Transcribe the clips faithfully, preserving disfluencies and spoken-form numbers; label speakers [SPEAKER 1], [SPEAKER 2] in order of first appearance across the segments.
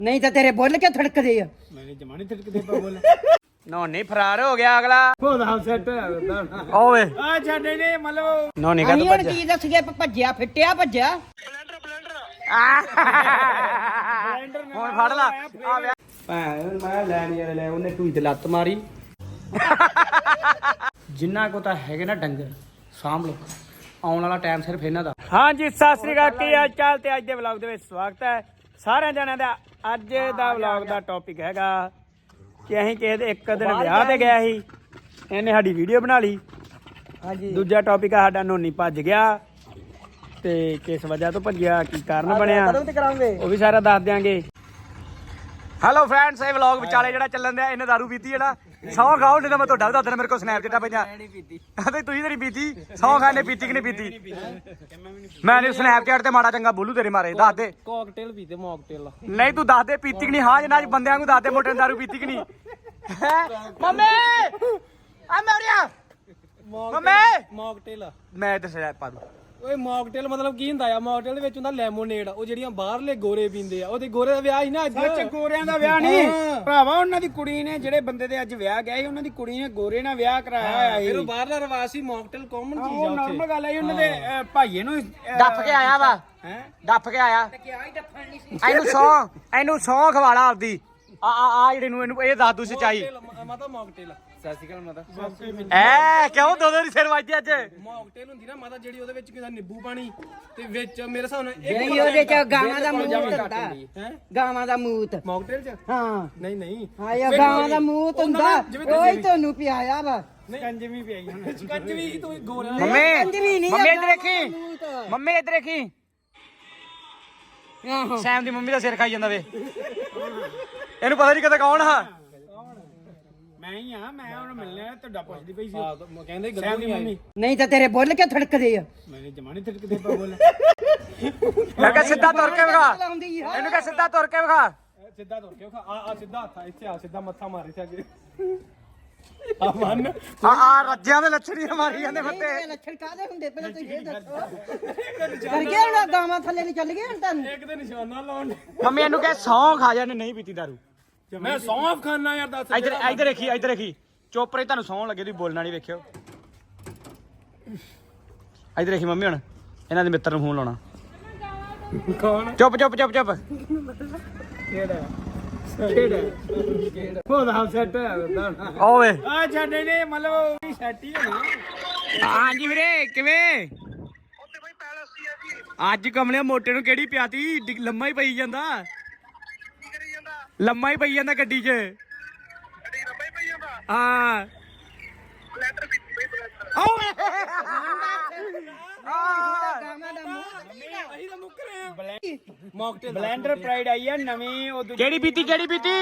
[SPEAKER 1] ਨਹੀਂ ਤਾਂ ਤੇਰੇ ਬੁੱਲ ਕੇ ਥੜਕਦੇ ਆ।
[SPEAKER 2] ਮੈਨੇ ਜਮਾਨੇ ਥੜਕਦੇ ਪਾ ਬੋਲ
[SPEAKER 3] ਨੋਨੀ ਫਰਾਰ ਹੋ ਗਿਆ ਅਗਲਾ।
[SPEAKER 2] ਉਹਦਾ ਸੈੱਟ ਹੋਇਆ
[SPEAKER 3] ਓਏ
[SPEAKER 2] ਆ ਛੱਡੇ ਨੇ ਮਤਲਬ
[SPEAKER 3] ਨੋਨੀ ਕਾ
[SPEAKER 1] ਅਸੀਂ ਹੁਣ ਕੀ ਦੱਸੀਏ ਭੱਜਿਆ ਫਿੱਟਿਆ ਭੱਜਿਆ।
[SPEAKER 3] ਹੁਣ ਫੜ ਲਾ ਆ ਵਿਆਹ
[SPEAKER 2] ਭੈਣ ਮੈਂ ਲੈਣ ਯਾਰ ਲੈ ਉਹਨੇ ਟੂਈ ਤੇ ਲੱਤ ਮਾਰੀ ਜਿੰਨਾ ਕੋ ਤਾਂ ਹੈਗੇ ਨਾ ਡੰਗਰ ਸਾਂਭ ਲੋ ਆਉਣ ਵਾਲਾ ਟਾਈਮ ਸਿਰਫ ਇਹਨਾਂ ਦਾ। ਹਾਂਜੀ ਸਤਿ ਸ੍ਰੀ ਅਕਾਲ, ਕੀ ਹਾਲ ਚਾਲ ਤੇ ਅੱਜ ਦੇ ਵਲੌਗ ਦੇ ਵਿੱਚ ਸਵਾਗਤ ਹੈ ਸਾਰਿਆਂ ਜਣਿਆਂ ਦਾ। ਅੱਜ ਦਾ ਵਲੌਗ ਦਾ ਟੌਪਿਕ ਹੈਗਾ ਕਿ ਅਸੀਂ ਕਿਸੇ ਦੇ ਇੱਕ ਦਿਨ ਵਿਆਹ ਤੇ ਗਿਆ ਸੀ, ਇਹਨੇ ਸਾਡੀ ਵੀਡੀਓ ਬਣਾ ਲਈ। ਹਾਂਜੀ ਦੂਜਾ ਟੌਪਿਕ ਆ ਸਾਡਾ ਨੋਨੀ ਭੱਜ ਗਿਆ ਤੇ ਕਿਸ ਵਜ੍ਹਾ ਤੋਂ ਭੱਜਿਆ, ਕੀ ਕਾਰਨ ਬਣਿਆ ਉਹ ਵੀ ਸਾਰਾ ਦੱਸ ਦਿਆਂਗੇ। ਹੈਲੋ ਫਰੈਂਡਸ, ਇਹ ਵਲੌਗ ਵਿਚਾਲੇ ਜਿਹੜਾ ਚੱਲਣ ਦਿਆ ਇਹਨੇ ਦਾਰੂ ਪੀਤੀ ਜਿਹੜਾ ਸੌ ਖਾਓ, ਨਹੀਂ ਤਾਂ ਮੈਂ ਤੁਹਾਡਾ ਵੀ ਦੱਸ ਦੇਣਾ। ਮੇਰੇ ਕੋਲ ਸਨੈਪ ਚਿੱਟਾ ਪਈਆਂ ਤੇ ਤੁਸੀਂ ਤੇਰੀ ਪੀਤੀ ਸੌ ਖਾਣੇ ਪੀਤੀ ਕਿ ਨਹੀਂ ਪੀਤੀ। ਮੈਂ ਨਹੀਂ ਸਨੈਪ ਚੈਟ ਤੇ ਮਾੜਾ ਚੰਗਾ ਬੋਲੂ ਤੇਰੇ ਮਾਰੇ, ਦੱਸ ਦੇ। ਕੋਕਟੇਲ ਪੀਤੇ ਮੌਕਟੇਲ
[SPEAKER 3] ਨਹੀਂ ਤੂੰ ਦੱਸ ਦੇ ਪੀਤੀ ਕਿ ਨਹੀਂ। ਹਾਂ ਜਿੰਨਾ ਬੰਦਿਆਂ ਨੂੰ ਦੱਸ ਦੇ ਮੋਟੇ ਦਾਰੂ ਪੀਤੀ ਕਿ ਨਹੀਂ। ਮੰਮੀ ਆ ਮਰਿਆ ਮੰਮੀ
[SPEAKER 2] ਮੌਕਟੇਲ
[SPEAKER 3] ਮੈਂ ਤੇ ਸਨੈਪ ਪਾ ਦੂੰ।
[SPEAKER 2] ਓਏ ਮੌਕਟੇਲ ਮਤਲਬ ਕੀ ਹੁੰਦਾ ਆ? ਮੌਕਟੇਲ ਦੇ ਵਿੱਚ ਹੁੰਦਾ ਲੈਮੋਨੇਡ, ਉਹ ਜਿਹੜੀਆਂ ਬਾਹਰਲੇ ਗੋਰੇ ਪੀਂਦੇ ਆ। ਉਹਦੇ ਗੋਰੇ ਦਾ ਵਿਆਹ ਸੀ ਨਾ ਅੱਜ।
[SPEAKER 4] ਸੱਚ ਗੋਰਿਆਂ ਦਾ ਵਿਆਹ ਨਹੀਂ ਭਰਾਵਾ, ਉਹਨਾਂ ਦੀ ਕੁੜੀ ਨੇ ਜਿਹੜੇ ਬੰਦੇ ਦੇ ਅੱਜ ਵਿਆਹ ਗਿਆ ਸੀ ਉਹਨਾਂ ਦੀ ਕੁੜੀ ਨੇ ਗੋਰੇ ਨਾਲ ਵਿਆਹ ਕਰਾਇਆ ਹੋਇਆ ਸੀ।
[SPEAKER 2] ਫਿਰ ਉਹ ਬਾਹਰਲਾ ਰਿਵਾਜ ਸੀ, ਮੌਕਟੇਲ ਕਾਮਨ ਚੀਜ਼
[SPEAKER 4] ਉਹ
[SPEAKER 2] ਆ ਉੱਥੇ।
[SPEAKER 4] ਨਾਰਮਲ ਗੱਲ ਹੈ ਉਹਨਾਂ ਦੇ ਅਹ, ਭਾਈਏ ਨੂੰ
[SPEAKER 3] ਡੱਫ ਕੇ ਆਇਆ ਵਾ,
[SPEAKER 4] ਹੈ
[SPEAKER 3] ਡੱਫ ਕੇ ਆਇਆ। ਇਹਨੂੰ ਸੌ ਇਹਨੂੰ ਸੌ ਖਵਾਲਾ ਆਪਦੀ ਆ ਆ ਆ ਜਿਹੜੇ ਨੂੰ ਇਹਨੂੰ ਇਹ ਦੱਸ ਦੂ ਸੱਚਾਈ।
[SPEAKER 2] ਮੌਕਟੇਲ, ਮਾਤਾ ਮੌਕਟੇਲ ਸਤਿ ਸ਼੍ਰੀ ਅਕਾਲ ਮਾਤਾ।
[SPEAKER 3] ਐ ਕਿਉਂ ਦੋ ਦੋ ਦੀ ਸਿਰ ਵੱਜਦੀ ਅੱਜ।
[SPEAKER 2] ਮੌਕਟੇਲ ਹੁੰਦੀ ਨਾ ਮਾਤਾ ਜਿਹੜੀ ਉਹਦੇ ਵਿੱਚ ਕਿਹਦਾ ਨਿੰਬੂ ਪਾਣੀ ਤੇ ਵਿੱਚ ਮੇਰੇ ਹਿਸਾਬ ਨਾਲ
[SPEAKER 1] ਨਹੀਂ ਉਹਦੇ ਚ ਗਾਵਾਂ ਦਾ ਮੂਤ ਹੁੰਦਾ,
[SPEAKER 2] ਹੈ
[SPEAKER 1] ਗਾਵਾਂ ਦਾ ਮੂਤ।
[SPEAKER 2] ਮੌਕਟੇਲ ਚ
[SPEAKER 1] ਹਾਂ
[SPEAKER 2] ਨਹੀਂ ਨਹੀਂ
[SPEAKER 1] ਹਾਂ ਇਹ ਗਾਵਾਂ ਦਾ ਮੂਤ ਹੁੰਦਾ, ਉਹੀ ਤੁਹਾਨੂੰ ਪਿਆਇਆ ਵਾ।
[SPEAKER 4] ਕੰਜਵੀ ਪਿਆਈ ਹੁਣ।
[SPEAKER 2] ਕੱਚ ਵੀ ਤੂੰ ਗੋਰਾ
[SPEAKER 3] ਮੰਮੀ ਮੰਮੀ ਇੱਧਰ ਦੇਖੀ, ਮੰਮੀ ਇੱਧਰ ਦੇਖੀ। ਸੈਮ ਦੀ ਮੰਮੀ ਦਾ ਸਿਰ ਖਾਈ ਜਾਂਦਾ ਵੇ। ਇਹਨੂੰ ਪਤਾ ਨਹੀਂ ਕਦੇ ਕੌਣ ਆ।
[SPEAKER 4] ਮੈਂ ਹੀ ਆ, ਮੈਂ ਉਹਨੂੰ ਮਿਲਣਾ ਤੁਹਾਡਾ ਪੁੱਛਦੀ ਪਈ ਸੀ।
[SPEAKER 2] ਹਾਂ ਕਹਿੰਦੇ ਗੱਲਾਂ ਨਹੀਂ ਆਈ।
[SPEAKER 1] ਨਹੀਂ ਤਾਂ ਤੇਰੇ ਬੁੱਲ ਕੇ ਥੜਕਦੇ ਆ।
[SPEAKER 4] ਮੈਨੇ ਜਮਾਨੇ ਥੜਕਦੇ ਪਾ ਬੋਲ
[SPEAKER 3] ਮੈਂ ਕਿਹਾ ਸਿੱਧਾ ਤੁਰ ਕੇ ਵਿਖਾ,
[SPEAKER 1] ਲਾਉਂਦੀ ਆ।
[SPEAKER 3] ਇਹਨੂੰ ਕਿਹਾ ਸਿੱਧਾ ਤੁਰ ਕੇ ਵਿਖਾ।
[SPEAKER 2] ਸਿੱਧਾ ਤੁਰ ਕੇ ਆ ਆ ਸਿੱਧਾ ਹੱਥ ਇੱਥੇ ਆ, ਸਿੱਧਾ ਮੱਥਾ ਮਾਰ ਇੱਥੇ ਅੱਗੇ ਆ ਮੰਨ
[SPEAKER 3] ਆ ਆ ਰੱਜਿਆਂ ਦੇ ਲੱਛਣੀਆਂ ਮਾਰੀ ਜਾਂਦੇ ਫੱਟੇ।
[SPEAKER 1] ਇਹ ਲੱਛਣ ਕਾਹਦੇ ਹੁੰਦੇ ਪਹਿਲਾਂ ਤੁਸੀਂ ਇਹ ਦੱਸੋ। ਕਰ ਗਿਆ ਹੁਣ ਗਾਵਾਂ ਥੱਲੇ ਨਹੀਂ ਚੱਲ ਗਏ ਹੁਣ ਤੁਹਾਨੂੰ।
[SPEAKER 2] ਇੱਕ ਤੇ ਨਿਸ਼ਾਨਾ ਲਾਉਣ।
[SPEAKER 3] ਮੰਮੀ ਇਹਨੂੰ ਕਹੇ ਸੌਂ ਖਾ ਜਾਣੇ ਨਹੀਂ ਪੀਤੀ ਦਾਰੂ।
[SPEAKER 2] ਮੈਂ ਸੌਂਫ ਖਾਨਾ ਯਾਰ ਦੱਸ।
[SPEAKER 3] ਇੱਧਰ ਇੱਧਰ ਦੇਖੀ, ਇੱਧਰ ਦੇਖੀ। ਚੁੱਪ ਰਹੀ, ਤੁਹਾਨੂੰ ਸੌਂ ਲੱਗੇ ਤੁਸੀਂ ਬੋਲਣਾ ਨਹੀਂ। ਵੇਖਿਓ ਇੱਧਰ ਦੇਖੀ ਮੰਮੀ, ਹੁਣ ਇਹਨਾਂ ਦੇ ਮਿੱਤਰ ਨੂੰ ਫੋਨ ਲਾਉਣਾ।
[SPEAKER 2] ਕੌਣ?
[SPEAKER 3] ਚੁੱਪ ਚੁੱਪ ਚੁੱਪ ਚੁੱਪ।
[SPEAKER 4] ਕਿਹੜਾ ਕਿਹੜਾ ਉਹਦਾ ਸੈੱਟ ਹੋਇਆ
[SPEAKER 3] ਓਏ
[SPEAKER 4] ਆ ਛੱਡੇ ਨੇ ਮਤਲਬ ਉਹ ਵੀ ਸੈੱਟ ਹੀ ਹੋਣੀ।
[SPEAKER 3] ਹਾਂਜੀ ਵੀਰੇ ਕਿਵੇਂ? ਅੱਜ ਕਮਲੇ ਮੋਟੇ ਨੂੰ ਕਿਹੜੀ ਪਿਆਤੀ? ਡਿ- ਲੰਮਾ ਹੀ ਪਈ ਜਾਂਦਾ, ਲੰਮਾ ਹੀ ਪਈ ਜਾਂਦਾ ਗੱਡੀ 'ਚ। ਹਾਂ
[SPEAKER 1] ਗਾਵਾਂ ਦਾ ਮੂਤ
[SPEAKER 2] ਅਸੀਂ ਤਾਂ ਮੁੱਕ ਰਹੇ ਆ। ਮੌਕਟੇਲ
[SPEAKER 4] ਬਲੈਂਡਰ ਪ੍ਰਾਈਡ ਆਈ ਆ ਨਵੀਂ, ਉਹ ਦੂਜੀ
[SPEAKER 3] ਕਿਹੜੀ ਪੀਤੀ ਕਿਹੜੀ ਪੀਤੀ?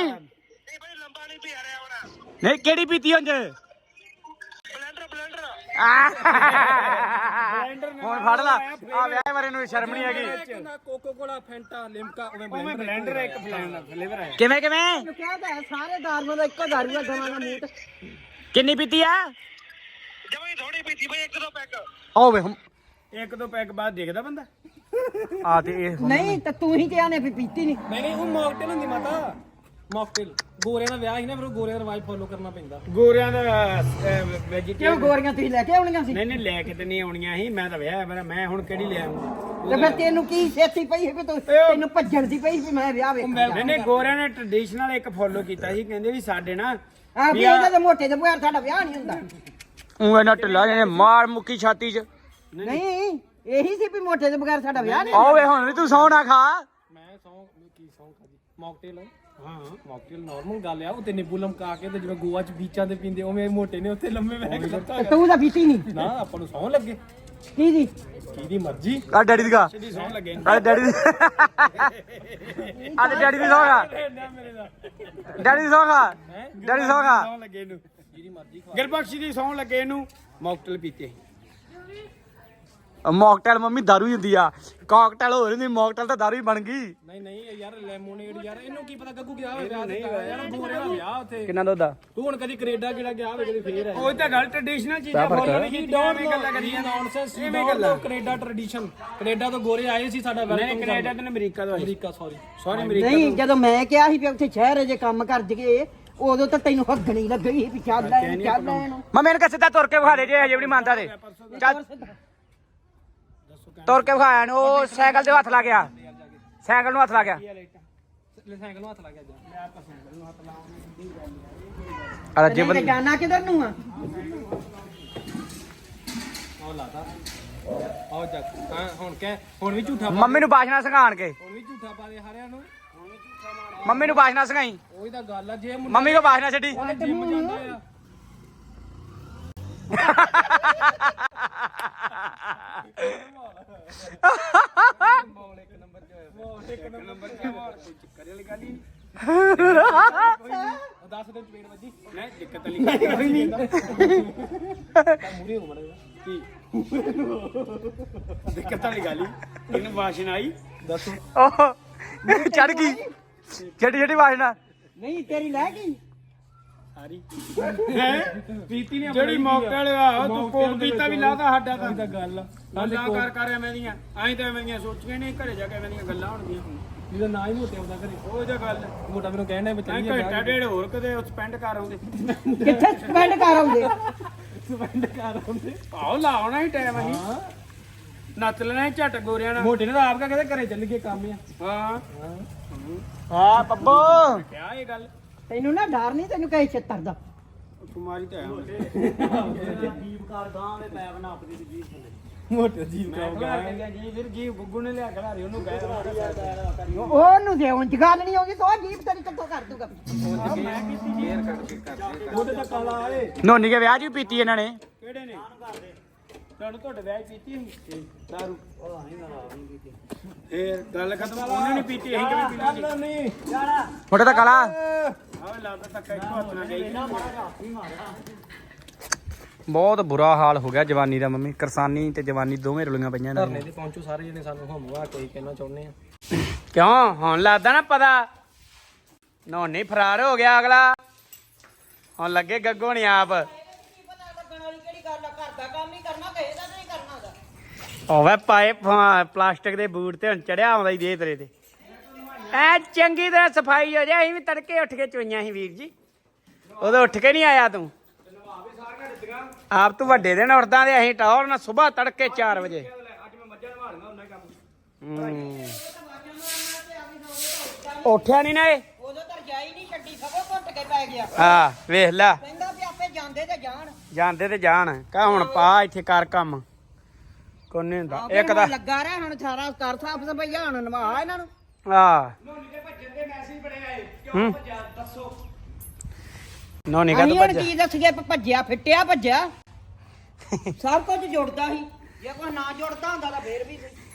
[SPEAKER 3] ਨਹੀਂ ਕਿਹੜੀ ਪੀਤੀ ਉਂਝ? ਹੁਣ ਫੜ ਲਾ ਆ ਵਿਆਹ ਬਾਰੇ ਨੂੰ ਸ਼ਰਮ ਨਹੀਂ ਹੈਗੀ।
[SPEAKER 2] ਕੋਕੋ ਕੋਲਾ ਫੈਂਟਾ ਲਿਮਕਾ
[SPEAKER 4] ਉਹ ਮੈਂ ਬਲੈਂਡਰ ਇੱਕ ਫਲੇਵਰ ਆਇਆ।
[SPEAKER 3] ਕਿਵੇਂ ਕਿਵੇਂ
[SPEAKER 1] ਕਿਹਾ ਤਾਂ ਹੈ, ਸਾਰੇ ਦਾਰੂਆਂ ਦਾ ਇੱਕੋ ਦਾਰੂ ਆ, ਗਾਵਾਂ ਦਾ ਮੂਤ।
[SPEAKER 3] ਕਿੰਨੀ ਪੀਤੀ ਆ?
[SPEAKER 5] ਜਮਾਈ ਥੋੜੀ ਪੀਤੀ ਬਈ, ਇੱਕ ਦੋ ਪੈਕ।
[SPEAKER 3] ਓ ਵੇ ਹਮ
[SPEAKER 4] ਇੱਕ ਦੋ ਪੈਕ ਬਾਅਦ ਦੇਖਦਾ ਬੰਦਾ।
[SPEAKER 3] ਆ ਤੇ ਇਹ
[SPEAKER 1] ਨਹੀਂ ਤਾਂ ਤੂੰ ਹੀ ਕਿਹਾ ਨੇ ਵੀ ਪੀਤੀ ਨਹੀਂ।
[SPEAKER 2] ਨਹੀਂ ਨਹੀਂ ਉਹ ਮੌਕਟੇਲ ਹੁੰਦੀ ਮਾਤਾ, ਮੌਕਟੇਲ। ਗੋਰਿਆਂ ਦਾ ਵਿਆਹ ਸੀ ਨਾ, ਫਿਰ ਉਹ ਗੋਰਿਆਂ ਦਾ ਰਿਵਾਜ ਫੋਲੋ ਕਰਨਾ ਪੈਂਦਾ।
[SPEAKER 4] ਗੋਰਿਆਂ ਦਾ
[SPEAKER 1] ਕਿਉਂ
[SPEAKER 4] ਵੈਜੀਟੇਰੀਅਨ
[SPEAKER 1] ਗੋਰੀਆਂ ਤੁਸੀਂ ਲੈ ਕੇ ਆਉਣੀਆਂ ਸੀ?
[SPEAKER 4] ਨਹੀਂ ਨਹੀਂ ਲੈ ਕੇ ਤੇ ਨਹੀਂ ਆਉਣੀਆਂ ਸੀ, ਮੈਂ ਤਾਂ ਵਿਆਹ ਮੇਰਾ, ਮੈਂ ਹੁਣ ਕਿਹੜੀ ਲੈ ਆਉਂਗਾ।
[SPEAKER 1] ਤੇ ਫਿਰ ਤੈਨੂੰ ਕੀ ਛੇਤੀ ਪਈ ਹੈ ਵੀ ਤੂੰ ਤੈਨੂੰ ਭੱਜਣ ਦੀ ਪਈ ਵੀ ਮੈਂ ਵਿਆਹ ਵੇਖਾਂ।
[SPEAKER 4] ਨਹੀਂ ਨਹੀਂ ਗੋਰਿਆਂ ਨੇ ਟ੍ਰੈਡੀਸ਼ਨਲ ਇੱਕ ਫੋਲੋ ਕੀਤਾ ਸੀ, ਕਹਿੰਦੇ ਵੀ ਸਾਡੇ ਨਾ
[SPEAKER 1] ਆ ਵੀ ਇਹਦਾ ਤੇ ਮੋਟੇ ਦੇ ਬਗੈਰ ਸਾਡਾ ਵਿਆਹ ਨਹੀਂ ਹੁੰਦਾ।
[SPEAKER 3] ਉਹ ਇਹਨਾਂ ਢਿੱਲਾ ਜਿਹਨੇ ਮਾਰ ਮੁੱਕੀ ਛਾਤੀ 'ਚ।
[SPEAKER 1] ਨਹੀਂ ਇਹੀ ਸੀ ਵੀ ਮੋਟੇ ਦੇ ਬਗੈਰ ਸਾਡਾ ਵਿਆਹ ਨਹੀਂ।
[SPEAKER 3] ਓ ਵੇ ਹੁਣ ਵੀ ਤੂੰ ਸੌਂ ਨਾ ਖਾ।
[SPEAKER 2] ਮੈਂ ਸੌਂ ਕੀ ਸੌਂ ਖਾਦੀ ਮੌਕਟੇਲ। ਹਾਂ ਮੌਕਟੇਲ ਨਾਰਮਲ ਗੱਲ ਆ। ਉਹ ਤੇ ਨਿੰਬੂ ਲਮਕਾ ਕੇ ਤੇ ਜਿਵੇਂ ਗੋਆ ਚ ਬੀਚਾਂ ਤੇ ਪੀਂਦੇ ਉਵੇਂ ਮੋਟੇ ਨੇ ਉੱਥੇ ਲੰਮੇ ਬਹਿ ਕੇ ਲੱਤਾਂ।
[SPEAKER 1] ਤੂੰ ਤਾਂ ਪੀਤੀ ਨਹੀਂ।
[SPEAKER 2] ਨਾ ਆਪਾਂ ਨੂੰ ਸੌਂ ਲੱਗੇ,
[SPEAKER 1] ਕੀ ਦੀ
[SPEAKER 2] ਕਿਹਦੀ ਮਰਜ਼ੀ।
[SPEAKER 3] ਆ ਡੈਡੀ ਦੀ ਗਾ,
[SPEAKER 4] ਦੀ ਸੌਣ ਲੱਗੇ।
[SPEAKER 3] ਆ ਡੈਡੀ ਦੀ ਆ ਤੇ ਡੈਡੀ ਦੀ ਸੌਂ ਖਾ,
[SPEAKER 2] ਮੇਰੇ ਦਾ
[SPEAKER 3] ਡੈਡੀ ਦੀ ਸੌਂ ਖਾ, ਡੈਡੀ ਦੀ ਸੌਂ ਖਾ।
[SPEAKER 4] ਸੌਣ ਲੱਗੇ ਇਹਨੂੰ,
[SPEAKER 2] ਜਿਹਦੀ ਮਰਜ਼ੀ ਖਾ।
[SPEAKER 4] ਗਿਰਬਖਸ਼ੀ ਦੀ ਸੌਣ ਲੱਗੇ ਇਹਨੂੰ ਮੌਕਟੇਲ ਪੀਤੇ।
[SPEAKER 3] ਮੌਕਟੇਲ ਮੰਮੀ ਦਾਰੂ ਹੀ ਹੁੰਦੀ ਆ ਕਾਕਟੇਲ ਹੋਰ ਹੁੰਦੀ ਮੌਕਟੇਲ ਤਾਂ ਦਾਰੂ ਹੀ ਬਣ ਗਈ
[SPEAKER 2] ਨਹੀਂ ਨਹੀਂ ਯਾਰ ਲੈਮੋਨੇਡ ਯਾਰ ਇਹਨੂੰ ਕੀ ਪਤਾ ਗੱਗੂ ਗਿਆ ਹੋਵੇ ਵਿਆਹ ਯਾਰ ਗੋਰੇ ਦਾ ਵਿਆਹ ਉੱਥੇ
[SPEAKER 3] ਕਿੰਨਾ ਦੁੱਧ ਆ
[SPEAKER 2] ਤੂੰ ਹੁਣ ਕਦੀ ਕੈਨੇਡਾ ਕਿਹੜਾ ਗਿਆ ਹੋਵੇ ਕਦੀ ਫੇਰ
[SPEAKER 4] ਉਹ ਤਾਂ ਗੱਲ ਟ੍ਰੈਡੀਸ਼ਨਲ ਚੀਜ਼ਾਂ ਫੋਲੋ ਨਹੀਂ ਕੀਤੀਆਂ ਐਵੇਂ ਗੱਲਾਂ ਕਰੀਆਂ
[SPEAKER 2] ਨੌਨਸੈਂਸ ਐਵੇਂ ਗੱਲਾਂ ਕੈਨੇਡਾ ਟ੍ਰੈਡੀਸ਼ਨ ਕੈਨੇਡਾ ਤੋਂ ਗੋਰੇ ਆਏ ਸੀ ਸਾਡਾ
[SPEAKER 4] ਨਹੀਂ ਕੈਨੇਡਾ ਤੇ ਅਮਰੀਕਾ ਤੋਂ
[SPEAKER 2] ਅਮਰੀਕਾ ਸੌਰੀ
[SPEAKER 4] ਸੌਰੀ ਅਮਰੀਕਾ
[SPEAKER 1] ਨਹੀਂ ਜਦੋਂ ਮੈਂ ਕਿਹਾ ਸੀ ਵੀ ਉੱਥੇ ਸ਼ਹਿਰ ਜੇ ਕੰਮ ਕਰ ਜਗੇ ਉਦੋਂ ਤਾਂ ਤੈਨੂੰ ਹੱਗਣੀ ਲੱਗਣੀ ਵੀ ਚੱਲ ਲੈ ਚੱਲ ਲੈ ਇਹਨੂੰ
[SPEAKER 3] ਮੈਂ ਮੈਨੂੰ ਕਿਹਾ ਸਿੱਧਾ ਤੁਰ ਕੇ ਵਿਖਾ ਦੇ ਜੇ ਹਜੇ ਵੀ ਨਹੀਂ ਮੰਨਦਾ ਤੇ ਚੱਲ ਤੁਰ ਕੇ ਵਿਖਾਇਆ ਨੂੰ ਉਹ ਸਾਈਕਲ ਤੇ ਹੱਥ ਲਾ ਗਿਆ ਸਾਈਕਲ ਨੂੰ ਹੱਥ ਲਾ ਗਿਆ
[SPEAKER 2] ਸਾਈਕਲ ਨੂੰ ਹੱਥ ਲਾ ਗਿਆ ਮੈਂ ਆਪਾਂ ਸਾਈਕਲ ਨੂੰ ਹੱਥ ਲਾਉਂਗਾ
[SPEAKER 3] ਆ ਰੱਜੇ
[SPEAKER 1] ਨਹੀਂ ਤੇ ਜਾਣਾ ਕਿਧਰ ਨੂੰ ਆ
[SPEAKER 2] ਆਹ ਲਾਤਾ ਆਹ ਜਾ ਹਾਂ ਹੁਣ ਕਹਿ ਹੁਣ ਵੀ ਝੂਠਾ
[SPEAKER 3] ਮੰਮੀ ਨੂੰ ਬਾਸ਼ਨਾ ਸੰਘਾਣ ਕੇ
[SPEAKER 2] ਹੁਣ ਵੀ ਝੂਠਾ ਪਾ ਦੇ ਹਾਰਿਆਂ ਨੂੰ
[SPEAKER 3] ਮੰਮੀ ਨੂੰ ਬਾਸ਼ਨਾ ਸੰਘਾਈ
[SPEAKER 2] ਉਹੀ ਤਾਂ ਗੱਲ ਆ ਜੇ ਮੁੰਡਾ
[SPEAKER 3] ਮੰਮੀ ਕੋ ਬਾਸ਼ਨਾ ਛੱਡੀ
[SPEAKER 2] ਜਿਮ ਜਾਂਦਾ ਆ ਮੌਲ ਇੱਕ ਨੰਬਰ ਚ ਹੋਇਆ ਮੌਲ ਇੱਕ ਨੰਬਰ ਚ ਮੌਲ ਕੋਈ ਚੱਕਰ ਵਾਲੀ ਗੱਲ ਹੀ ਨਹੀਂ ਦਸ ਦਿਨ ਚਪੇੜ ਵੱਜੀ
[SPEAKER 4] ਨਹੀਂ ਦਿੱਕਤ ਵਾਲੀ ਗੱਲ ਕੋਈ ਨਹੀਂ
[SPEAKER 2] ਤਾਂ ਮੂਰੇ ਹੋ ਮੜਾ
[SPEAKER 4] ਕੀ ਦਿੱਕਤ ਵਾਲੀ ਗੱਲ ਹੀ ਇਹਨੂੰ ਵਾਸ਼ਨ ਆਈ
[SPEAKER 2] ਦੱਸੋ
[SPEAKER 3] ਉਹ ਚੜ ਗਈ ਛੱਡੀ ਛੱਡੀ ਬਾਸ਼ਨਾ
[SPEAKER 1] ਨਹੀਂ ਤੇਰੀ ਲੈ ਗਈ
[SPEAKER 4] ਸਾਰੀ
[SPEAKER 2] ਪ੍ਰੀਤੀ ਨੇ
[SPEAKER 4] ਜਿਹੜੀ ਮੌਕਟੇਲ ਆ ਤੂੰ ਕੋਕ ਪੀਤਾ ਵੀ ਲਾਦਾ ਸਾਡਾ ਤਾਂ
[SPEAKER 2] ਤਾਂ ਗੱਲ ਆ
[SPEAKER 4] ਗੱਲਾਂ ਕਰ ਕਰ ਐਵੇਂ ਦੀਆਂ ਐਂ ਤਾਂ ਐਵੇਂ ਦੀਆਂ ਸੋਚੀਆਂ ਨਹੀਂ ਘਰੇ ਜਾ ਕੇ ਐਵੇਂ ਦੀਆਂ ਗੱਲਾਂ ਹੋਣਗੀਆਂ
[SPEAKER 2] ਜਿਹਦਾ ਨਾਂ ਹੀ ਮੋਟੇ ਆਉਂਦਾ ਘਰੇ
[SPEAKER 4] ਉਹ ਜੇ ਗੱਲ
[SPEAKER 2] ਮੋਟਾ ਮੈਨੂੰ ਕਹਿਣਾ ਵੀ
[SPEAKER 4] ਐਂ
[SPEAKER 2] ਚੱਲੀਏ
[SPEAKER 4] ਘੰਟਾ ਡੇਢ ਹੋਰ ਕਦੇ ਸਪੈਂਡ ਕਰ ਆਉਂਦੇ
[SPEAKER 1] ਕਿੱਥੇ ਸਪੈਂਡ ਕਰ ਆਉਂਦੇ
[SPEAKER 2] ਸਪੈਂਡ ਕਰ ਆਉਂਦੇ
[SPEAKER 4] ਆਹੋ ਲਾਉਣਾ ਹੀ ਟਾਈਮ ਅਸੀਂ ਨੱਚ ਲੈਣਾ ਸੀ ਝੱਟ ਗੋਰਿਆਂ ਨਾਲ
[SPEAKER 2] ਮੋਟੇ ਨੇ ਤਾਂ ਆਪ ਕਾ ਕਹਿੰਦੇ ਘਰੇ ਚੱਲ ਗਏ ਕੰਮ ਆ
[SPEAKER 4] ਹਾਂ
[SPEAKER 3] ਹਾਂ ਪੱਪੋ
[SPEAKER 4] ਕਿਆ ਇਹ ਗੱਲ
[SPEAKER 1] ਤੈਨੂੰ ਨਾ ਡਰ ਨਹੀਂ ਤੈਨੂੰ ਕਹੇ ਛੱਤਰ ਦਾ
[SPEAKER 4] ਕੁਮਾਰੀ ਤਾਂ ਹੈ
[SPEAKER 2] ਮੋਟੇ ਜੀਵ ਕਾ
[SPEAKER 4] ਜੀ ਫਿਰ ਜੀ ਗੁੱਗੂ ਨੇ ਲਿਆ ਖਿਲਾਰੀ ਉਹਨੂੰ ਗਏ
[SPEAKER 1] ਉਹਨੂੰ ਦੇ ਉਂਝ ਗੱਲ ਨਹੀਂ ਆਉਂਦੀ ਤੋ ਜੀਪ ਤੇਰੀ ਕਿੱਥੋਂ ਕਰ ਦੂਗਾ
[SPEAKER 2] ਮੋਟੇ ਤਾਂ ਕਾਲਾ ਆਏ
[SPEAKER 3] ਨੋਨੀ ਕੇ ਵਿਆਹ 'ਚ ਵੀ ਪੀਤੀ ਇਹਨਾਂ ਨੇ
[SPEAKER 4] ਕਿਹੜੇ ਨੇ ਤੁਹਾਨੂੰ ਤੁਹਾਡੇ ਵਿਆਹ 'ਚ ਪੀਤੀ ਸੀ ਦਾਰੂ ਇਹ ਗੱਲ ਖਤਮ ਉਹਨੇ ਨਹੀਂ ਪੀਤੀ ਅਸੀਂ ਕਿਵੇਂ ਪੀਤੀ ਸੀ
[SPEAKER 2] ਨਹੀਂ
[SPEAKER 3] ਮੋਟੇ ਤਾਂ ਕਾਲਾ
[SPEAKER 4] ਆਵੇ ਲੱਗਦਾ ਤੱਕ ਇੱਕ ਹੱਥ ਨਾਲ ਗਈ
[SPEAKER 3] ਬਹੁਤ ਬੁਰਾ ਹਾਲ ਹੋ ਗਿਆ ਜਵਾਨੀ ਦਾ ਮੰਮੀ ਕਰਸਾਨੀ ਤੇ ਜਵਾਨੀ ਦੋਵੇਂ ਰੁਲੀਆਂ ਪਈਆਂ ਇਹਨਾਂ
[SPEAKER 2] ਧਰਨੇ ਤੇ ਪਹੁੰਚੋ ਸਾਰੇ ਜਣੇ ਸਾਨੂੰ ਹਮਵਾ ਕੋਈ ਕਹਿਣਾ ਚਾਹੁੰਦੇ ਆ
[SPEAKER 3] ਕਿਉਂ ਹੁਣ ਲੱਗਦਾ ਨਾ ਪਤਾ ਨੋਨੀ ਫਰਾਰ ਹੋ ਗਿਆ ਅਗਲਾ ਹੁਣ ਲੱਗੇ ਗੱਗੋ ਨਹੀਂ ਆਪ ਓਵੇ ਪਾਏ ਪਲਾਸਟਿਕ ਦੇ ਬੂਟ ਤੇ ਹੁਣ ਚੜਿਆ ਆਉਂਦਾ ਹੀ ਦੇ ਤੇਰੇ ਤੇ ਐ ਚੰਗੀ ਤਰ੍ਹਾਂ ਸਫਾਈ ਹੋ ਜਾਏ ਅਸੀਂ ਵੀ ਤੜਕੇ ਉੱਠ ਕੇ ਚੋਈਆਂ ਸੀ ਵੀਰ ਜੀ ਉਦੋਂ ਉੱਠ ਕੇ ਨਹੀਂ ਆਇਆ ਤੂੰ ਆਪ ਤੂੰ ਵੱਡੇ ਦਿਨ ਉੱਠਦਾ ਤੇ ਅਸੀਂ ਟੌਰ ਨਾ ਸਵੇਰ ਤੜਕੇ ਚਾਰ ਵਜੇ
[SPEAKER 4] ਅੱਜ ਮੈਂ ਮੱਝਾਂ ਨਵਾਲਣਾ ਉਹਨਾਂ ਕੰਮ
[SPEAKER 3] ਉੱਠਿਆ ਨਹੀਂ ਨਾ ਇਹ
[SPEAKER 1] ਉਦੋਂ ਤਾਂ ਜਾਈ ਨਹੀਂ ਛੱਡੀ ਸਭੋ ਘੁੱਟ ਕੇ ਪੈ ਗਿਆ
[SPEAKER 3] ਹਾਂ ਵੇਖ ਲੈ
[SPEAKER 1] ਕਹਿੰਦਾ ਵੀ ਆਪੇ ਜਾਂਦੇ ਤੇ ਜਾਣ
[SPEAKER 3] ਜਾਂਦੇ ਤੇ ਜਾਣ ਕਹ ਹੁਣ ਪਾ ਇੱਥੇ ਕਰ ਕੰਮ ਕੋਨੇ ਹੁੰਦਾ ਇੱਕ ਦਾ
[SPEAKER 1] ਲੱਗਾ ਰਿਹਾ ਹੁਣ ਸਾਰਾ ਕਰ ਸਾਫ ਸਫਾਈਆ ਹੁਣ ਨਵਾ ਇਹਨਾਂ ਨੂੰ
[SPEAKER 3] ਆ ਨੋਨੀ ਕਾ
[SPEAKER 1] ਅਸੀਂ
[SPEAKER 3] ਤੂੰ
[SPEAKER 1] ਹੁਣ ਕੀ ਦੱਸੀਏ ਭੱਜਿਆ ਫਿੱਟਿਆ ਭੱਜਿਆ ਸਭ ਕੁਝ ਜੁੜਦਾ ਸੀ ਜੇ ਕੋਈ ਨਾ ਜੁੜਦਾ ਹੁੰਦਾ ਤਾਂ ਫੇਰ ਵੀ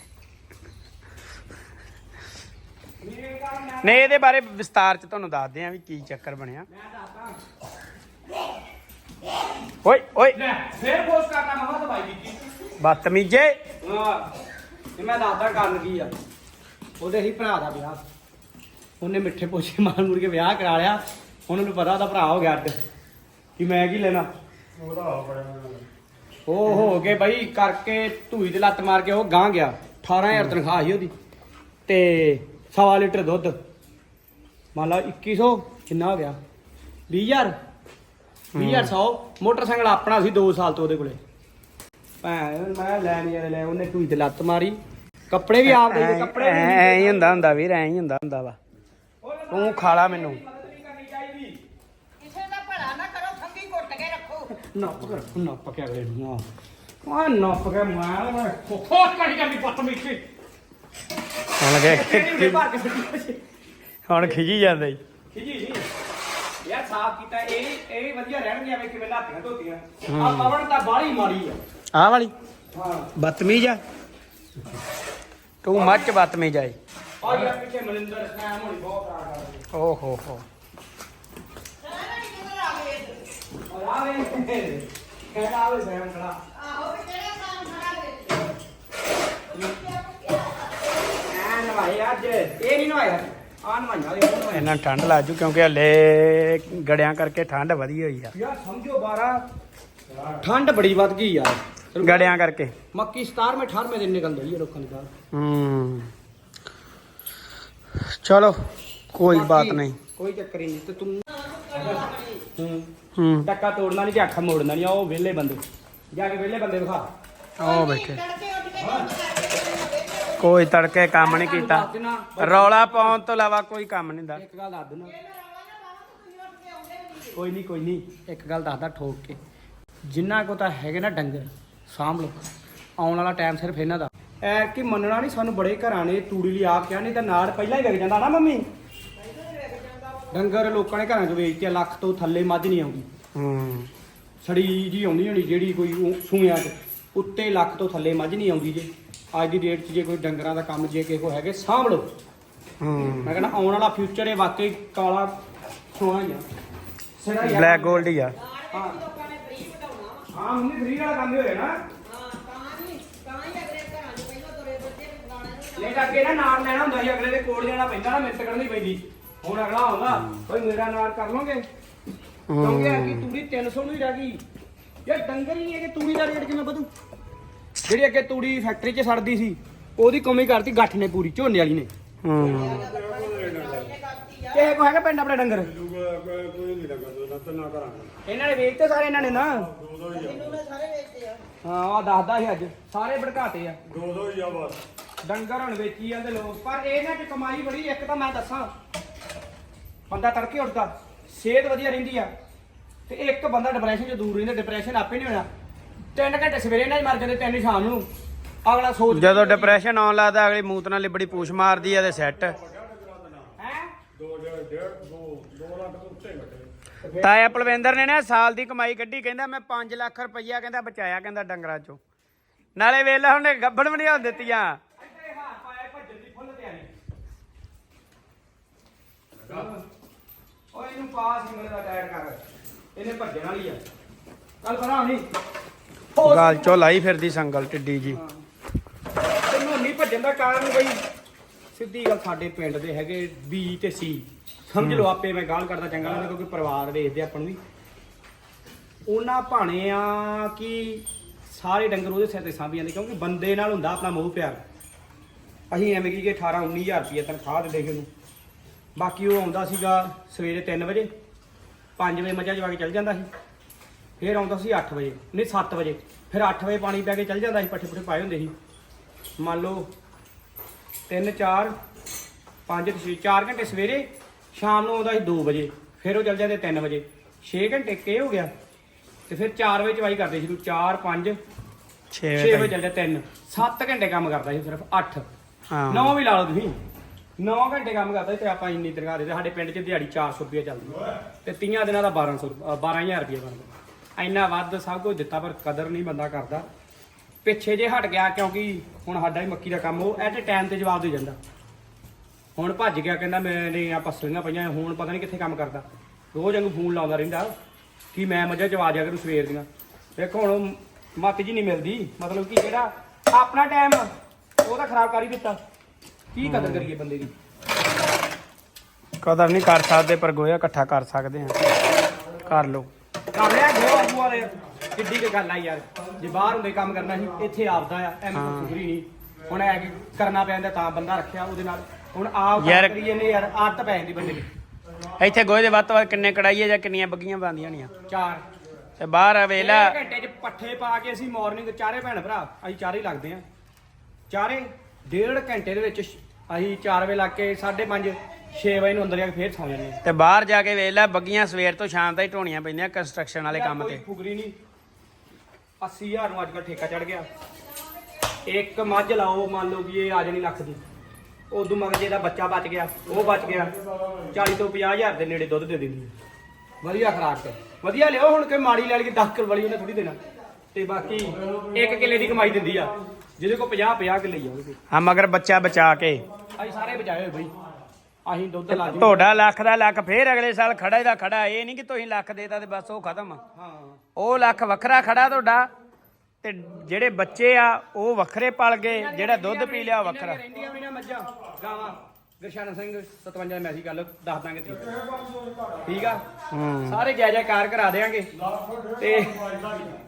[SPEAKER 3] ਨਹੀਂ ਇਹਦੇ ਬਾਰੇ ਵਿਸਤਾਰ ਚ ਤੁਹਾਨੂੰ ਦੱਸਦੇ ਆ ਵੀ ਕੀ ਚੱਕਰ ਬਣਿਆ ਓਏ ਓਏ
[SPEAKER 4] ਫੇਰ ਪੋਸਟ ਕਰਨਾ ਮਹਾ ਦਵਾਈ ਦਿੱਤੀ
[SPEAKER 3] ਬਦਤਮੀਜੇ
[SPEAKER 2] ਹਾਂ ਤੇ ਮੈਂ ਦੱਸਦਾ ਕਰਨ ਕੀ ਆ ਉਹਦੇ ਹੀ ਭਰਾ ਦਾ ਵਿਆਹ ਉਹਨੇ ਮਿੱਠੇ ਪੋਛੇ ਮਾਰ ਮੁਰ ਕੇ ਵਿਆਹ ਕਰਾ ਲਿਆ ਉਹਨਾਂ ਨੂੰ ਪਤਾ ਉਹਦਾ ਭਰਾ ਹੋ ਗਿਆ ਅੱਡ ਕਿ ਮੈਂ ਕੀ ਲੈਣਾ ਉਹ ਹੋ ਕੇ ਬਈ ਕਰਕੇ ਧੂਈ ਤੇ ਲੱਤ ਮਾਰ ਕੇ ਉਹ ਗਾਂ ਗਿਆ ਅਠਾਰਾਂ ਹਜ਼ਾਰ ਤਨਖਾਹ ਸੀ ਉਹਦੀ ਤੇ ਸਵਾ ਲੀਟਰ ਦੁੱਧ ਮੰਨ ਲਾ ਇੱਕੀ ਸੌ ਕਿੰਨਾ ਹੋ ਗਿਆ ਵੀਹ ਹਜ਼ਾਰ ਵੀਹ ਹਜ਼ਾਰ ਸੌ ਮੋਟਰਸਾਈਕਲ ਆਪਣਾ ਸੀ ਦੋ ਸਾਲ ਤੋਂ ਉਹਦੇ ਕੋਲੇ ਭੈਣ ਮੈਂ ਲੈ ਨਹੀਂ ਯਾਰ ਲੈ ਉਹਨੇ ਧੂਈ ਤੇ ਲੱਤ ਮਾਰੀ ਕੱਪੜੇ ਵੀ ਆਪ ਦੇ ਕੱਪੜੇ ਵੀ
[SPEAKER 3] ਐ ਹੀ ਹੁੰਦਾ ਹੁੰਦਾ ਵੀਰ ਐ ਹੀ ਹੁੰਦਾ ਹੁੰਦਾ ਵਾ ਤੂੰ ਖਾਲਾ ਮੈਨੂੰ
[SPEAKER 1] ਕਿਸੇ ਦਾ ਭਲਾ ਨਾ ਕਰੋ ਖੰਗੀ ਘੁੱਟ ਕੇ ਰੱਖੋ
[SPEAKER 2] ਨੱਪ ਕਰ ਨੱਪ ਕੇ ਅਗਲੇ ਨੂੰ ਆ ਆ ਨੱਪ ਕੇ ਮਾਰ ਮੈਂ ਖੋਖ ਕੱਢ ਕੇ ਪੱਤ ਮਿੱਠੀ
[SPEAKER 3] ਹੁਣ ਲੱਗੇ
[SPEAKER 2] ਕਿਹੜੀ ਭਰ ਕੇ ਸਿੱਟੀ
[SPEAKER 3] ਹੁਣ ਖਿਜੀ ਜਾਂਦਾ ਜੀ
[SPEAKER 2] ਖਿਜੀ ਜੀ ਯਾਰ ਸਾਫ ਕੀਤਾ ਇਹ ਇਹ ਵਧੀਆ ਰਹਿਣਗੇ ਐਵੇਂ ਕਿਵੇਂ ਲਾਤੀਆਂ ਧੋਤੀਆਂ ਆ ਪਵਨ ਤਾਂ ਬਾਹਲੀ ਮਾੜੀ ਆ
[SPEAKER 3] ਆਹ ਵਾਲੀ
[SPEAKER 2] ਹਾਂ
[SPEAKER 3] ਬਦਤਮੀਜ ਆ ਤੂੰ ਮੱਚ ਬਦਤਮੀਜ ਆਈ
[SPEAKER 2] ਆ ਯਾਰ ਪਿੱਛੇ ਮਨਿੰਦਰ ਸੈਮ ਹੋਣੀ ਬਹੁਤ ਆ ਕਰਦੇ
[SPEAKER 3] ਓ ਹੋ ਹੋ
[SPEAKER 2] ਔਰ ਆਵੇ ਕਹਿੰਦਾ ਆਵੇ ਸੈਮ ਖੜਾ
[SPEAKER 1] ਆਹੋ ਵੀ ਕਿਹੜਾ ਕੰਮ ਖੜਾ ਵੇ
[SPEAKER 2] ਨਵਾਏ ਅੱਜ ਇਹ ਨਹੀਂ ਨਵਾਇਆ ਆ ਨਵਾਈਆਂ ਦੇ ਉਹ
[SPEAKER 3] ਇਹਨਾਂ ਠੰਡ ਲੱਜੂ ਕਿਉਂਕਿ ਹਲੇ ਗੜਿਆਂ ਕਰਕੇ ਠੰਡ ਵਧੀ ਹੋਈ ਆ
[SPEAKER 2] ਯਾਰ ਸਮਝੋ ਬਾਰਾਂ ਠੰਡ ਬੜੀ ਵੱਧ ਗਈ ਯਾਰ
[SPEAKER 3] ਗੜਿਆਂ ਕਰਕੇ
[SPEAKER 2] ਮੱਕੀ ਸਤਾਰਵੇਂ ਅਠਾਰਵੇਂ ਦਿਨ ਨਿਕਲ ਰਹੀ ਹੈ ਲੋਕਾਂ ਦੀ ਬਾਹਰ
[SPEAKER 3] ਹੂੰ ਚਲੋ ਕੋਈ ਬਾਤ ਨਹੀਂ
[SPEAKER 2] ਕੋਈ ਚੱਕਰ ਹੀ ਨਹੀਂ ਤੇ ਤੂੰ ਹੂੰ
[SPEAKER 3] ਹੂੰ
[SPEAKER 2] ਟੱਕਾ ਤੋੜਨਾ ਨਹੀਂ ਤੇ ਅੱਖ ਮੋੜਨਾ ਨਹੀਂ ਉਹ ਵਿਹਲੇ ਬੰਦੇ ਜਾ ਕੇ ਵਿਹਲੇ ਬੰਦੇ ਵਿਖਾ
[SPEAKER 3] ਉਹ ਬੈਠੇ ਕੋਈ ਤੜਕੇ ਕੰਮ ਨਹੀਂ ਕੀਤਾ ਰੌਲਾ ਪਾਉਣ ਤੋਂ ਇਲਾਵਾ ਕੋਈ ਕੰਮ ਨਹੀਂ ਦਾ
[SPEAKER 2] ਇੱਕ ਗੱਲ ਦੱਸ ਦੇਣਾ ਕੋਈ ਨਹੀਂ ਕੋਈ ਨਹੀਂ ਇੱਕ ਗੱਲ ਦੱਸਦਾ ਠੋਕ ਕੇ ਜਿੰਨਾ ਕੋ ਤਾਂ ਹੈਗੇ ਨਾ ਡੰਗਰ ਸਾਂਭ ਲੋ ਆਉਣ ਵਾਲਾ ਟਾਈਮ ਸਿਰਫ ਇਹਨਾਂ ਦਾ ਐ ਕਿ ਮੰਨਣਾ ਨਹੀਂ ਸਾਨੂੰ ਬੜੇ ਘਰਾਂ ਨੇ ਤੂੜੀ ਲਈ ਆਪ ਕਿਹਾ ਨਹੀਂ ਤਾਂ ਨਾੜ ਪਹਿਲਾਂ ਹੀ ਵਿਕ ਜਾਂਦਾ ਨਾ ਮੰਮੀ ਡੰਗਰ ਲੋਕਾਂ ਨੇ ਘਰਾਂ 'ਚ ਵੇਚਦੇ ਲੱਖ ਤੋਂ ਥੱਲੇ ਮੱਝ ਨਹੀਂ ਆਉਂਦੀ
[SPEAKER 3] ਹੂੰ
[SPEAKER 2] ਸੜੀ ਜੀ ਆਉਂਦੀ ਹੋਣੀ ਜਿਹੜੀ ਕੋਈ ਉਹ ਸੂਇਆਂ 'ਚ ਉੱਤੇ ਲੱਖ ਤੋਂ ਥੱਲੇ ਮੱਝ ਨਹੀਂ ਆਉਂਦੀ ਜੇ ਅੱਜ ਦੀ ਡੇਟ 'ਚ ਜੇ ਕੋਈ ਡੰਗਰਾਂ ਦਾ ਕੰਮ ਜੇ ਕਿਸੇ ਕੋ ਹੈਗੇ ਸਾਂਭ ਲਓ
[SPEAKER 3] ਹੂੰ
[SPEAKER 2] ਮੈਂ ਕਹਿੰਦਾ ਆਉਣ ਵਾਲਾ ਫਿਊਚਰ ਇਹ ਵਾਕਈ ਕਾਲਾ ਸੋਨਾ ਹੀ ਆ ਸਿਰਾ ਹੀ ਆ।
[SPEAKER 3] ਬਲੈਕ ਗੋਲਡ ਹੀ ਆ
[SPEAKER 2] ਹਾਂ ਹਾਂ ਮੰਮੀ ਫਰੀ ਵਾਲਾ ਕੰਮ ਹੀ ਹੋਇਆ ਨਾ ਨਹੀਂ ਤਾਂ ਅੱਗੇ ਨਾ ਨਾਰ ਲੈਣਾ ਹੁੰਦਾ ਸੀ ਅਗਲੇ ਦੇ ਕੋਲ ਜਾਣਾ ਪੈਂਦਾ ਨਾ ਮਿਹਨਤ ਕਰਨੀ ਪੈਂਦੀ ਹੁਣ ਅਗਲਾ ਆਉਂਦਾ ਕੋਈ ਮੇਰਾ ਨਾਰ ਕਰ ਲੋਗੇ ਕਿਉਂਕਿ ਆ ਕਿ ਤੂੜੀ ਤਿੰਨ ਸੌ ਨੂੰ ਹੀ ਰਹਿ ਗਈ ਯਾਰ ਡੰਗਰ ਹੀ ਨਹੀਂ ਹੈ ਕਿ ਤੂੜੀ ਦਾ ਰੇਟ ਕਿਵੇਂ ਵਧੂ ਜਿਹੜੀ ਅੱਗੇ ਤੂੜੀ ਫੈਕਟਰੀ 'ਚ ਸੜਦੀ ਸੀ ਉਹਦੀ ਕਮੀ ਕਰਤੀ ਗੱਠ ਨੇ ਪੂਰੀ ਝੋਨੇ ਵਾਲੀ ਨੇ
[SPEAKER 3] ਹੂੰ
[SPEAKER 2] ਕਿਸੇ ਕੋ ਹੈਗਾ ਪਿੰਡ ਆਪਣੇ ਡੰਗਰ ਇਹਨਾਂ ਨੇ ਵੇਚਤੇ ਸਾਰੇ ਇਹਨਾਂ ਨੇ ਨਾ ਹਾਂ ਉਹ ਦੱਸਦਾ ਸੀ ਅੱਜ ਸਾਰੇ ਭੜਕਾਤੇ ਆ
[SPEAKER 5] ਦੋ ਦੋ ਹੀ ਆ ਬਸ
[SPEAKER 2] ਡੰਗਰ ਹੁਣ ਵੇਚੀ ਜਾਂਦੇ ਲੋਕ ਪਰ ਇਹਨਾਂ 'ਚ ਕਮਾਈ ਬੜੀ ਇੱਕ ਤਾਂ ਮੈਂ ਦੱਸਾਂ ਬੰਦਾ ਤੜਕੇ ਉੱਠਦਾ ਸਿਹਤ ਵਧੀਆ ਰਹਿੰਦੀ ਆ ਤੇ ਇੱਕ ਬੰਦਾ ਡਿਪਰੈਸ਼ਨ 'ਚ ਦੂਰ ਰਹਿੰਦਾ ਡਿਪਰੈਸ਼ਨ ਆਪੇ ਨਹੀਂ ਹੋਣਾ ਤਿੰਨ ਘੰਟੇ ਸਵੇਰੇ ਨਾਲ ਹੀ ਮਰ ਜਾਂਦੇ ਤਿੰਨ ਸ਼ਾਮ ਨੂੰ ਅਗਲਾ ਸੋਚ
[SPEAKER 3] ਜਦੋਂ ਡਿਪਰੈਸ਼ਨ ਆਉਣ ਲੱਗਦਾ ਅਗਲੀ ਮੂਤ ਨਾਲ ਲਿਬੜੀ ਪੂਛ ਮਾਰਦੀ ਆ ਤੇ ਸੈੱਟ
[SPEAKER 2] ਹੈ
[SPEAKER 3] ਤਾਇਆ ਪਲਵਿੰਦਰ ਨੇ ਨਾ ਸਾਲ ਦੀ ਕਮਾਈ ਕੱਢੀ ਕਹਿੰਦਾ ਮੈਂ ਪੰਜ ਲੱਖ ਰੁਪਈਆ ਕਹਿੰਦਾ ਬਚਾਇਆ ਕਹਿੰਦਾ ਡੰਗਰਾਂ ਚੋਂ ਨਾਲੇ ਵੇਲਾ ਉਹਨੇ ਗੱਬੜ ਵੀ ਨਹੀਂ ਹੋਣ ਦਿੱਤੀਆਂ
[SPEAKER 2] ਓਏ ਇਹਨੂੰ ਪਾਸ ਸਿੰਗਲ ਦਾ ਟਾਇਰ ਕਰ ਇਹਨੇ ਭੱਜਣ ਵਾਲੀ ਆ ਕੱਲ ਕਰਾਂ ਨਹੀਂ
[SPEAKER 3] ਗਾਲ ਚੋਂ ਲਾਈ ਫਿਰਦੀ ਸੰਗਲ ਟਿੱਡੀ ਜੀ
[SPEAKER 2] ਤੈਨੂੰ ਨਹੀਂ ਭੱਜਣ ਦਾ ਕਾਰਨ ਬਈ ਸਿੱਧੀ ਗੱਲ ਸਾਡੇ ਪਿੰਡ ਦੇ ਹੈਗੇ ਬੀ ਤੇ ਸੀ ਸਮਝ ਲਓ ਆਪੇ ਮੈਂ ਗਾਲ ਕਰਦਾ ਚੰਗਾ ਲੱਗਦਾ ਕਿਉਂਕਿ ਪਰਿਵਾਰ ਦੇਖਦੇ ਆਪਾਂ ਨੂੰ ਵੀ ਉਹਨਾਂ ਭਾਣੇ ਆ ਕਿ ਸਾਰੇ ਡੰਗਰ ਉਹਦੇ ਸਿਰ ਤੇ ਸਾਂਭੀ ਜਾਂਦੇ ਕਿਉਂਕਿ ਬੰਦੇ ਨਾਲ ਹੁੰਦਾ ਆਪਣਾ ਮੋਹ ਪਿਆਰ ਅਸੀਂ ਐਵੇਂ ਕਿ ਅਠਾਰਾਂ ਉੱਨੀ ਹਜ਼ਾਰ ਰੁਪਏ ਤਨਖਾਹ ਦਿੰਦੇ ਸੀ ਉਹਨੂੰ ਬਾਕੀ ਉਹ ਆਉਂਦਾ ਸੀਗਾ ਸਵੇਰੇ ਤਿੰਨ ਵਜੇ ਪੰਜ ਵਜੇ ਮੱਝਾਂ ਚਵਾ ਕੇ ਚੱਲ ਜਾਂਦਾ ਸੀ ਫਿਰ ਆਉਂਦਾ ਸੀ ਅੱਠ ਵਜੇ ਨਹੀਂ ਸੱਤ ਵਜੇ ਫਿਰ ਅੱਠ ਵਜੇ ਪਾਣੀ ਪੈ ਕੇ ਚੱਲ ਜਾਂਦਾ ਸੀ ਪੱਠੇ ਪੁੱਠੇ ਪਾਏ ਹੁੰਦੇ ਸੀ ਮੰਨ ਲਓ ਤਿੰਨ ਚਾਰ ਪੰਜ ਛੇ ਚਾਰ ਘੰਟੇ ਸਵੇਰੇ ਸ਼ਾਮ ਨੂੰ ਆਉਂਦਾ ਸੀ ਦੋ ਵਜੇ ਫਿਰ ਉਹ ਚੱਲ ਜਾਂਦੇ ਤਿੰਨ ਵਜੇ ਛੇ ਘੰਟੇ ਕੇ ਹੋ ਗਿਆ ਤੇ ਫਿਰ ਚਾਰ ਵਜੇ ਚਵਾਈ ਕਰਦੇ ਸੀ ਤੂੰ ਚਾਰ ਪੰਜ
[SPEAKER 3] ਛੇ
[SPEAKER 2] ਛੇ ਵਜੇ
[SPEAKER 3] ਵਜੇ
[SPEAKER 2] ਚੱਲ ਜਾ ਤਿੰਨ ਸੱਤ ਘੰਟੇ ਕੰਮ ਕਰਦਾ ਸੀ ਸਿਰਫ ਅੱਠ
[SPEAKER 3] ਹਾਂ
[SPEAKER 2] ਨੌ ਵੀ ਲਾ ਲਓ ਤੁਸੀਂ ਨੌ ਘੰਟੇ ਕੰਮ ਕਰਦਾ ਸੀ ਤੇ ਆਪਾਂ ਇੰਨੀ ਤਨਖਾਹ ਦੇ ਸਾਡੇ ਪਿੰਡ 'ਚ ਦਿਹਾੜੀ ਚਾਰ ਸੌ ਰੁਪਏ ਚੱਲਦੀ ਤੇ ਤੀਆਂ ਦਿਨਾਂ ਦਾ ਬਾਰਾਂ ਸੌ ਬਾਰਾਂ ਹਜ਼ਾਰ ਰੁਪਏ ਬਣਦਾ ਇੰਨਾ ਵੱਧ ਸਭ ਕੁਝ ਦਿੱਤਾ ਪਰ ਕਦਰ ਨਹੀਂ ਬੰਦਾ ਕਰਦਾ ਪਿੱਛੇ ਜੇ ਹਟ ਗਿਆ ਕਿਉਂਕਿ ਹੁਣ ਸਾਡਾ ਹੀ ਮੱਕੀ ਦਾ ਕੰਮ ਉਹ ਐਟ ਟਾਈਮ ਤੇ ਜਵਾਬ ਦੇ ਜਾਂਦਾ ਹੁਣ ਭੱਜ ਗਿਆ ਕਹਿੰਦਾ ਮੈਨੇ ਆ ਪਸਲੀਆਂ ਪਈਆਂ ਹੁਣ ਪਤਾ ਨਹੀਂ ਕਿੱਥੇ ਕੰਮ ਕਰਦਾ ਰੋਜ਼ ਵਾਂਗੂ ਫੋਨ ਲਾਉਂਦਾ ਰਹਿੰਦਾ ਕਿ ਮੈਂ ਮੱਝਾਂ ਚਵਾ ਦਿਆ ਕਰੂ ਸਵੇਰ ਦੀਆਂ ਵੇਖੋ ਹੁਣ ਮੱਤ ਜੀ ਨਹੀਂ ਮਿਲਦੀ ਮਤਲਬ ਕਿ ਜਿਹੜਾ ਆਪਣਾ ਟਾਈਮ ਉਹ ਤਾਂ ਖਰਾਬ ਕਰ ਹੀ ਦਿੱਤਾ ਕੀ ਕਦਰ ਕਰੀਏ ਬੰਦੇ ਦੀ
[SPEAKER 3] ਕਦਰ ਨਹੀਂ ਕਰ ਸਕਦੇ ਪਰ ਗੋਇਆ ਇਕੱਠਾ ਕਰ ਸਕਦੇ ਆ ਕਰ ਲਓ
[SPEAKER 2] ਕਰ ਲਿਆ ਜੋ ਆਗੂ ਵਾਲੇ ਕਿੱਡੀ ਕੀ ਗੱਲ ਆ ਯਾਰ ਜੇ ਬਾਹਰ ਹੁੰਦੇ ਕੰਮ ਕਰਨਾ ਸੀ ਇੱਥੇ ਆਪਦਾ ਆ ਐਵੇਂ ਕੋਈ ਫੁਕਰੀ ਨਹੀਂ ਹੁਣ ਐ ਕਿ ਕਰਨਾ ਪੈਂਦਾ ਤਾਂ ਬੰਦਾ ਰੱਖਿਆ ਉਹਦੇ ਨਾਲ ਹੁਣ ਆਪ
[SPEAKER 3] ਯਾਰ-
[SPEAKER 2] ਕਰੀਏ ਨੇ ਯਾਰ ਆਦਤ ਪੈ ਜਾਂਦੀ ਬੰਦੇ ਦੀ
[SPEAKER 3] ਇੱਥੇ ਗੋਹੇ ਦੇ ਵੱਧ ਤੋਂ ਵੱਧ ਕਿੰਨੇ ਕੜਾਈਏ ਜਾਂ ਕਿੰਨੀਆਂ ਬੱਗੀਆਂ ਬਣਦੀਆਂ ਹੋਣੀਆਂ
[SPEAKER 2] ਚਾਰ
[SPEAKER 3] ਤੇ ਬਾਹਰ ਵੇਲਾ
[SPEAKER 2] ਇੱਕ ਘੰਟੇ 'ਚ ਪੱਠੇ ਪਾ ਕੇ ਅਸੀਂ ਮਾਰਨਿੰਗ ਚਾਰੇ ਭੈਣ ਭਰਾ ਅਸੀਂ ਚਾਰੇ ਹੀ ਲੱਗਦੇ ਆ ਚਾਰੇ ਡੇਢ ਘੰਟੇ ਦੇ ਵਿੱਚ ਅਸੀਂ ਚਾਰ ਵਜੇ ਲੱਗ ਕੇ ਸਾਢੇ ਪੰਜ ਛੇ ਵਜੇ ਨੂੰ ਅੰਦਰ ਜਾ ਕੇ ਫੇਰ ਸੌਂ ਜਾਂਦੇ ਆ
[SPEAKER 3] ਤੇ ਬਾਹਰ ਜਾ ਕੇ ਵੇਲਾ ਬੱਗੀਆਂ ਸਵੇਰ ਤੋਂ ਸ਼ਾਮ ਤੱਕ ਢੋਣੀਆਂ ਪੈਂਦੀਆਂ ਕੰਸਟਰਕਸ਼ਨ ਵਾਲੇ ਕੰਮ
[SPEAKER 2] ਕੋਈ
[SPEAKER 3] ਤੇ
[SPEAKER 2] ਫੁਕਰੀ ਨਹੀਂ ਅੱਸੀ ਹਜ਼ਾਰ ਨੂੰ ਅੱਜ ਕੱਲ੍ਹ ਠੇਕਾ ਚੜ ਗਿਆ ਇੱਕ ਮੱਝ ਲਾਓ ਮੰਨ ਲਓ ਕਿ ਇਹ ਆ ਜਾਣੀ ਲੱਖ ਦੀ ਉਦੋਂ ਮਗਰ ਜੇ ਦਾ ਬੱਚਾ ਬਚ ਗਿਆ ਉਹ ਬਚ ਗਿਆ ਚਾਲੀ ਤੋਂ ਪੰਜਾਹ ਹਜ਼ਾਰ ਦੇ ਨੇੜੇ ਦੁੱਧ ਦੇ ਦਿੰਦੀ ਹੈ ਵਧੀਆ ਖਰਾਕ ਤੇ ਵਧੀਆ ਲਿਓ ਹੁਣ ਕੋਈ ਮਾੜੀ ਲੈ ਲਈ ਦਸ ਕਿਲੋ ਵਾਲੀ ਉਹਨੇ ਥੋੜੀ ਦੇਣਾ ਤੇ ਬਾਕੀ ਇੱਕ ਕਿੱਲੇ ਦੀ ਕਮਾਈ ਦਿੰਦੀ ਆ ਜਿਹਦੇ ਕੋਲ ਪੰਜਾਹ ਪੰਜਾਹ ਕਿੱਲੇ ਹੀ ਆ ਉਹਦੇ ਕੋਲ
[SPEAKER 3] ਹਾਂ ਮਗਰ ਬੱਚਾ ਬਚਾ ਕੇ
[SPEAKER 2] ਅਸੀਂ ਸਾਰੇ ਬਚਾਏ ਹੋਏ ਬਈ ਅਸੀਂ ਦੁੱਧ ਲਾ ਜੀ
[SPEAKER 3] ਤੁਹਾਡਾ ਲੱਖ ਦਾ ਲੱਖ ਫੇਰ ਅਗਲੇ ਸਾਲ ਖੜਾ ਦਾ ਖੜਾ ਇਹ ਨਹੀਂ ਕਿ ਤੁਸੀਂ ਲੱਖ ਦੇਤਾ ਤੇ ਬਸ ਉਹ ਖਤਮ
[SPEAKER 2] ਹਾਂ
[SPEAKER 3] ਉਹ ਲੱਖ ਵੱਖਰਾ ਖੜਾ ਤੁਹਾਡਾ ਤੇ ਜਿਹੜੇ ਬੱਚੇ ਆ ਉਹ ਵੱਖਰੇ ਪਲ ਗਏ, ਜਿਹੜਾ ਦੁੱਧ ਪੀ ਲਿਆ ਉਹ ਵੱਖਰਾ।
[SPEAKER 2] ਰਹਿੰਦੀਆਂ ਵੀ ਨਾ ਮੱਝਾਂ ਗਾਵਾਂ ਗੁਰਸ਼ਰਨ ਸਿੰਘ ਸਤਵੰਜਾ ਮੈਸੀ ਗੱਲ ਦੱਸ ਦਾਂਗੇ ਤਰੀਕ ਠੀਕ ਆ। ਸਾਰੇ ਜੈ ਜੈਕਾਰ ਕਰਾ ਦੇਾਂਗੇ ਤੇ